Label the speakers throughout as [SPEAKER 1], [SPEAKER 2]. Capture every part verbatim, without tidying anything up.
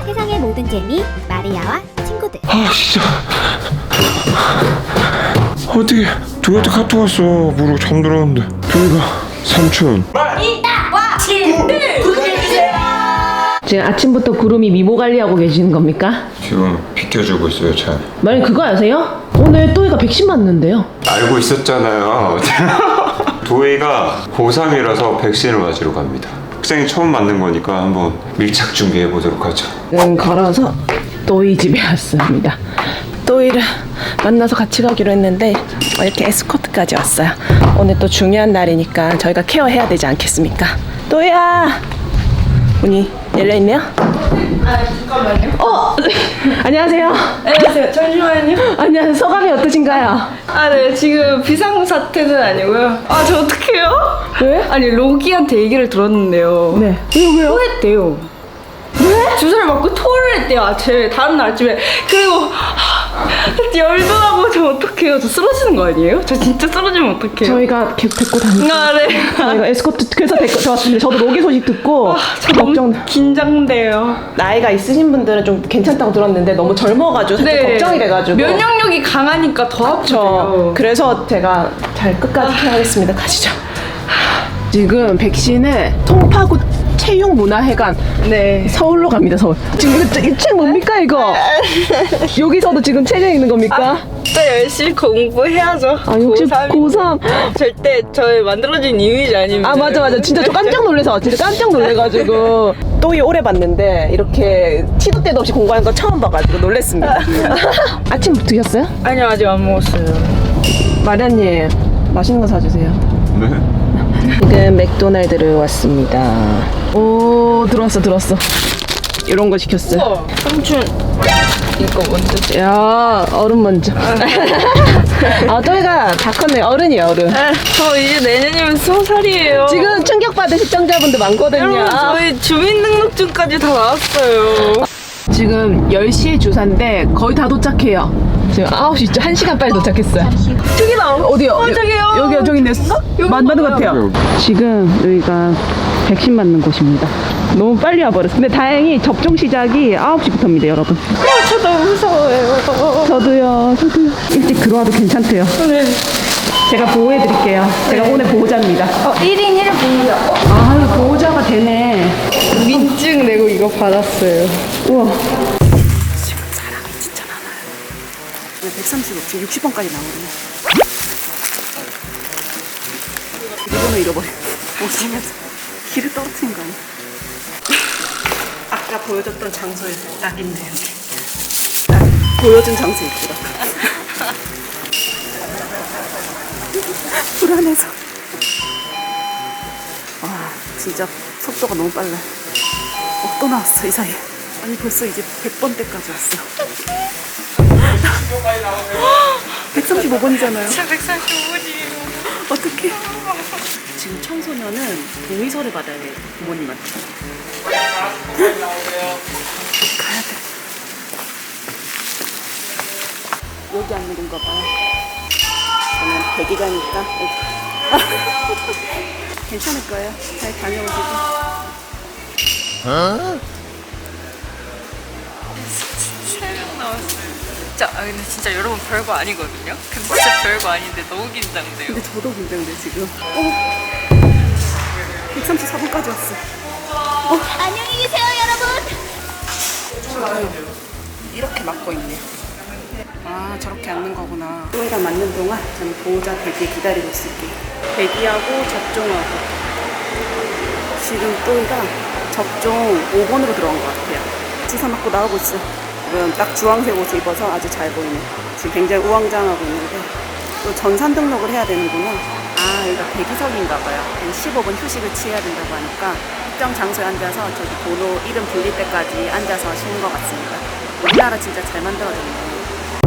[SPEAKER 1] 세상의 모든 재미 마리아와 친구들.
[SPEAKER 2] 아 진짜 어떻게 도희한테 카톡 왔어. 모르고 잠들었는데. 도희가 삼촌
[SPEAKER 3] 지금 아침부터 구름이 미모 관리하고 계시는 겁니까?
[SPEAKER 2] 지금 비켜주고 있어요. 잘
[SPEAKER 3] 만약 그거 아세요? 오늘 또이가 백신 맞는데요.
[SPEAKER 2] 알고 있었잖아요. 도희가 고삼이라서 백신을 맞으러 갑니다. 학생이 처음 맞는 거니까 한번 밀착 준비해 보도록 하죠.
[SPEAKER 3] 지금 걸어서 또이 집에 왔습니다. 또이를 만나서 같이 가기로 했는데 이렇게 에스코트까지 왔어요. 오늘 또 중요한 날이니까 저희가 케어해야 되지 않겠습니까? 또이야! 문이 열려있네요?
[SPEAKER 4] 아 잠깐만요.
[SPEAKER 3] 어! 안녕하세요.
[SPEAKER 4] 안녕하세요. 잠시만요.
[SPEAKER 3] 안녕하세요. 소감이 어떠신가요?
[SPEAKER 4] 아 네 지금 비상사태는 아니고요. 아 저 어떡해요?
[SPEAKER 3] 왜?
[SPEAKER 4] 아니 로기한테 얘기를 들었는데요.
[SPEAKER 3] 네. 왜요, 왜요?
[SPEAKER 4] 토했대요. 왜? 주사를 맞고 토를 했대요. 아침에 다음날 아침에. 그리고 하, 열도 나고 저 어떡해요? 저 쓰러지는 거 아니에요? 저 진짜 쓰러지면 어떡해요?
[SPEAKER 3] 저희가 계속 데리고 다니고
[SPEAKER 4] 아 네.
[SPEAKER 3] 저희가 에스코트 그래서 데리고 들어왔습니다. 저도 로기 소식 듣고
[SPEAKER 4] 아, 저 너무
[SPEAKER 3] 걱정.
[SPEAKER 4] 긴장돼요.
[SPEAKER 3] 나이가 있으신 분들은 좀 괜찮다고 들었는데 너무 젊어가지고 살짝 걱정이 돼가지고
[SPEAKER 4] 면역력이 강하니까 더
[SPEAKER 3] 그렇죠.
[SPEAKER 4] 아프죠.
[SPEAKER 3] 그래서 제가 잘 끝까지 케어하겠습니다. 가시죠. 지금 백신을 송파구 체육문화회관
[SPEAKER 4] 네.
[SPEAKER 3] 서울로 갑니다. 서울. 지금 이거 이 책 뭡니까 이거? 여기서도 지금 책에 있는 겁니까?
[SPEAKER 4] 또 열심히 공부해야죠.
[SPEAKER 3] 아, 역시
[SPEAKER 4] 고삼.
[SPEAKER 3] 고삼.
[SPEAKER 4] 절대 저의 만들어진 이미지 아닙니다.
[SPEAKER 3] 아 맞아 맞아 진짜 저 깜짝 놀라서 진짜 깜짝 놀래가지고 또이 오래 봤는데 이렇게 시도 때도 없이 공부하는 거 처음 봐가지고 놀랬습니다. 아침 드셨어요?
[SPEAKER 4] 아니요 아직 안 먹었어요.
[SPEAKER 3] 마리아님 맛있는 거 사주세요.
[SPEAKER 2] 네?
[SPEAKER 3] 지금 맥도날드를 왔습니다. 오 들어왔어 들어왔어. 이런 거 시켰어요.
[SPEAKER 4] 우와, 삼촌 이거 먼저.
[SPEAKER 3] 야 어른 먼저. 아 또이가 다 컸네. 어른이에요 어른.
[SPEAKER 4] 아, 저 이제 내년이면 스무 살이에요.
[SPEAKER 3] 지금 충격받은 시청자분들 많거든요.
[SPEAKER 4] 여러분 저희 주민등록증까지 다 나왔어요.
[SPEAKER 3] 지금 열 시에 주사인데 거의 다 도착해요. 지금 아홉 시, 한 시간 빨리 도착했어요. 저기다! 어디요?
[SPEAKER 4] 어, 저기요.
[SPEAKER 3] 여기요, 저기 있네.
[SPEAKER 4] 여기
[SPEAKER 3] 맞는 것
[SPEAKER 4] 봐봐요.
[SPEAKER 3] 같아요. 지금 여기가 백신 맞는 곳입니다. 너무 빨리 와버렸어. 근데 다행히 접종 시작이 아홉 시부터입니다, 여러분.
[SPEAKER 4] 아, 저 너무 무서워요.
[SPEAKER 3] 저도요, 저도요. 일찍 들어와도 괜찮대요.
[SPEAKER 4] 네.
[SPEAKER 3] 제가 보호해드릴게요. 제가 오늘 보호자입니다.
[SPEAKER 4] 어, 일 인 일 분이요.
[SPEAKER 3] 아, 보호자가 되네.
[SPEAKER 4] 민증 내고 이거 받았어요.
[SPEAKER 3] 우와.
[SPEAKER 5] 백삼십오, 지금 육십 번까지 나오거든요. 비번호 잃어버려. 오시면서 길을 떨어뜨린 거 아니야? 아까 보여줬던 장소에서 딱 있네, 여기. 딱 보여준 장소에 있더라고. 불안해서. 와, 진짜 속도가 너무 빨라. 어, 또 나왔어, 이 사이에. 아니, 벌써 이제 백 번대까지 왔어. 백삼십오 번이잖아요.
[SPEAKER 4] 진짜 백삼십오 번이에요.
[SPEAKER 5] 어떡해. 지금 청소년은 동의서를 받아야 돼요. 부모님한테. 가야 돼. 여기 앉는 건가 봐요. 저는 대기자니까. 괜찮을 거예요. 잘 다녀오시고.
[SPEAKER 4] 세 명 나왔어요. 진짜, 아, 근데 진짜 여러분 별거 아니거든요? 근데 진짜 별거 아닌데 너무 긴장돼요.
[SPEAKER 5] 근데 저도 긴장돼, 지금. 어. 백삼십사 번까지 왔어.
[SPEAKER 1] 안녕히 계세요, 여러분.
[SPEAKER 5] 이렇게 맞고 있네. 아, 저렇게 앉는 거구나. 또이랑 맞는 동안 저는 보호자 대기 기다리고 있을게요. 대기하고 접종하고. 지금 또이가 접종 오 번으로 들어간 것 같아요. 주사 맞고 나오고 있어. 지금 딱 주황색 옷을 입어서 아주 잘 보이네. 지금 굉장히 우왕좌왕하고 있는데 또 전산 등록을 해야 되는구나. 아, 여기가 대기석인가 봐요. 한 십오 분 휴식을 취해야 된다고 하니까 특정 장소에 앉아서 저기 번호 이름 불릴 때까지 앉아서 쉬는 것 같습니다. 우리나라 진짜 잘 만들어졌네.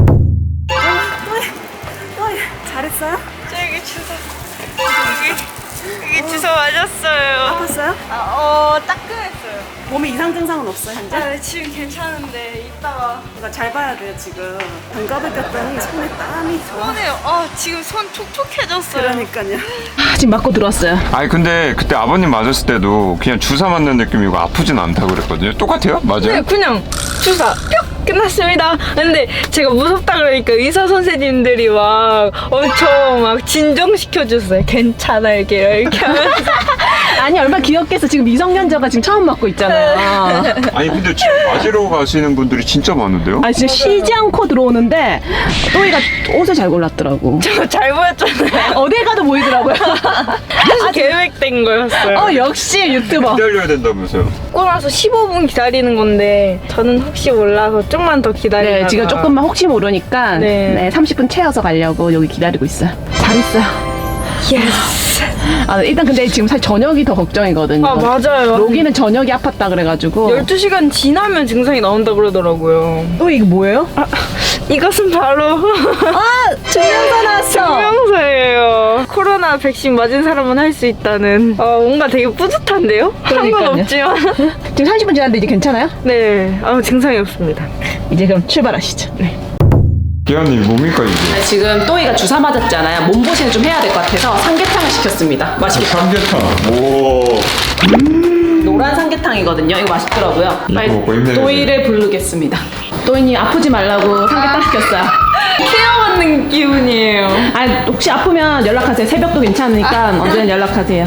[SPEAKER 5] 어, 또이, 또이, 잘했어요?
[SPEAKER 4] 저기 주사. 여기. 이게 주사 맞았어요.
[SPEAKER 5] 아팠어요?
[SPEAKER 4] 아, 어, 따끔했어요.
[SPEAKER 5] 몸에 이상 증상은 없어요 현재?
[SPEAKER 4] 아, 지금 괜찮은데 이따가
[SPEAKER 5] 그러니까 잘 봐야 돼요 지금. 장갑을 꼈더니 손에 땀이 좋아.
[SPEAKER 4] 손에 아 지금 손 촉촉해졌어요.
[SPEAKER 5] 그러니까요.
[SPEAKER 3] 아, 지금 맞고 들어왔어요.
[SPEAKER 2] 아니 근데 그때 아버님 맞았을 때도 그냥 주사 맞는 느낌이고 아프진 않다고 그랬거든요. 똑같아요? 맞아요?
[SPEAKER 4] 네, 그냥 주사 뿅 끝났습니다. 근데 제가 무섭다 그러니까 의사 선생님들이 막 엄청 막 진정시켜 줬어요. 괜찮아 이렇게 이렇게 하면서.
[SPEAKER 3] 아니 얼마나 귀엽겠어. 지금 미성년자가 지금 처음 맞고 있잖아요.
[SPEAKER 2] 아니 근데 지금 맞으러 가시는 분들이 진짜 많은데요?
[SPEAKER 3] 아 진짜 쉬지 않고 들어오는데 또이가 옷을 잘 골랐더라고.
[SPEAKER 4] 저 잘 보였잖아요.
[SPEAKER 3] 어딜 가도 보이더라고요.
[SPEAKER 4] 아주 계획된 거였어요.
[SPEAKER 3] 어 역시 유튜버.
[SPEAKER 2] 기다려야 된다면서요?
[SPEAKER 4] 먹고 나서 십오 분 기다리는 건데 저는 혹시 몰라서 좀만 더 기다리다가
[SPEAKER 3] 네 지금 조금만 혹시 모르니까
[SPEAKER 4] 네.
[SPEAKER 3] 네, 삼십 분 채워서 가려고 여기 기다리고 있어요. 잘 있어요.
[SPEAKER 4] 예스.
[SPEAKER 3] 아 일단 근데 지금 사실 저녁이 더 걱정이거든요.
[SPEAKER 4] 아 맞아요.
[SPEAKER 3] 로기는 저녁이 아팠다 그래가지고.
[SPEAKER 4] 열두 시간 지나면 증상이 나온다 그러더라고요.
[SPEAKER 3] 또 이거 뭐예요?
[SPEAKER 4] 아, 이것은 바로
[SPEAKER 3] 아 증명서 나왔어.
[SPEAKER 4] 증명서예요. 코로나 백신 맞은 사람은 할 수 있다는. 어, 뭔가 되게 뿌듯한데요? 한 건
[SPEAKER 3] 그러니까요.
[SPEAKER 4] 없지만.
[SPEAKER 3] 지금 삼십 분 지났는데 이제 괜찮아요?
[SPEAKER 4] 네, 아, 증상이 없습니다.
[SPEAKER 3] 이제 그럼 출발하시죠. 네.
[SPEAKER 2] 기아님 뭡니까 이게?
[SPEAKER 3] 지금 또이가 주사 맞았잖아요. 몸보신을 좀 해야 될 것 같아서 삼계탕을 시켰습니다. 맛있겠다.
[SPEAKER 2] 삼계탕. 오.
[SPEAKER 3] 노란 삼계탕이거든요. 이거 맛있더라고요.
[SPEAKER 2] 이거 먹고 힘내야
[SPEAKER 3] 또이를 부르겠습니다. 또이님 아프지 말라고 삼계탕 시켰어요.
[SPEAKER 4] 케어받는 기분이에요.
[SPEAKER 3] 아 혹시 아프면 연락하세요. 새벽도 괜찮으니까 언제든 연락하세요.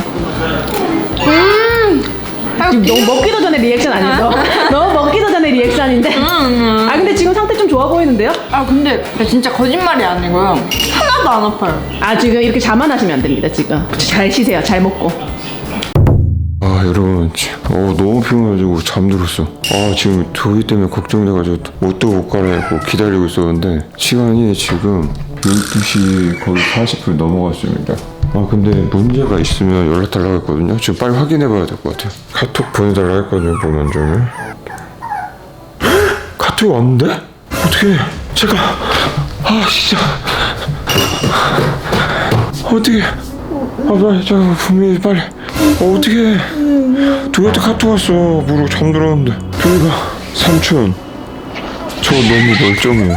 [SPEAKER 3] 음. 지금 너무 먹기도 전에 리액션 아니죠? 너무 먹기도 전에 리액션인데. 아 근데 지금 상태 좀 좋아 보이는데요?
[SPEAKER 4] 아, 근데 진짜 거짓말이 아니고요. 하나도 안 아파요.
[SPEAKER 3] 아 지금 이렇게 자만하시면 안 됩니다. 지금 잘 쉬세요. 잘 먹고.
[SPEAKER 2] 아 여러분 어, 너무 피곤해가지고 잠들었어. 아 지금 더위 때문에 걱정돼가지고 옷도 못 갈아입고 기다리고 있었는데 시간이 지금 열두 시 거의 사십 분 넘어갔습니다. 아 근데 문제가 있으면 연락 달라고 했거든요. 지금 빨리 확인해봐야 될 것 같아요. 카톡 보내달라고 했거든요. 보면 좀 카톡이 왔는데? 어떻게 제가 아 진짜 어떻게 아 빨리 저 분명히 빨리 어, 어떻게 도희한테 카톡 왔어. 모르고 잠들었는데 도희가 삼촌 저 너무 멀쩡해요.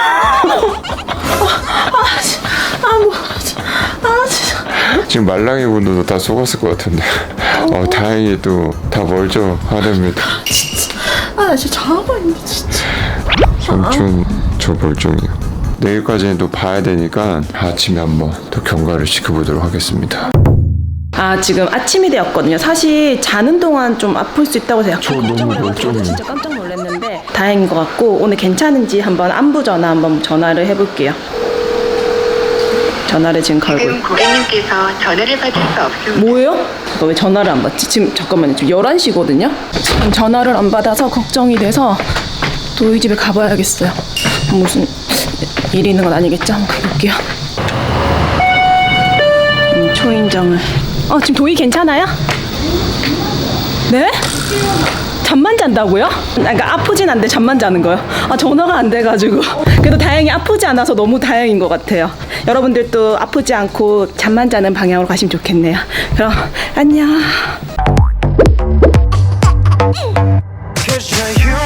[SPEAKER 2] 지금 말랑이 분들도 다 속았을 것 같은데 어, 다행히 또 다 멀쩡하답니다.
[SPEAKER 3] 아 나 진짜 자고 있네 진짜.
[SPEAKER 2] 삼촌 저 멀쩡해요. 내일까지는 또 봐야 되니까 아침에 한번 또 경과를 지켜보도록 하겠습니다.
[SPEAKER 3] 아 지금 아침이 되었거든요. 사실 자는 동안 좀 아플 수 있다고 해서
[SPEAKER 2] 저
[SPEAKER 3] 약간
[SPEAKER 2] 너무
[SPEAKER 3] 걱정을 해가지고
[SPEAKER 2] 멀쩡해요.
[SPEAKER 3] 진짜 깜짝 놀랐는데 다행인 것 같고 오늘 괜찮은지 한번 안부 전화 한번 전화를 해볼게요. 전화를 지금 걸고
[SPEAKER 6] 지금
[SPEAKER 3] 있고.
[SPEAKER 6] 고객님께서 전화를 받을 수 없습니다.
[SPEAKER 3] 뭐예요? 너 왜 전화를 안 받지? 지금 잠깐만요. 지금 열한 시거든요. 지금 전화를 안 받아서 걱정이 돼서 도희 집에 가봐야겠어요. 무슨 일이 있는 건 아니겠죠? 한번 가볼게요. 음, 초인정을. 어 지금 도희 괜찮아요? 네? 잠만 잔다고요? 아, 그러니까 아프진 않은데 잠만 자는 거요. 아 전화가 안 돼가지고 그래도 다행히 아프지 않아서 너무 다행인 것 같아요. 여러분들도 아프지 않고 잠만 자는 방향으로 가시면 좋겠네요. 그럼 안녕.
[SPEAKER 7] Cause you're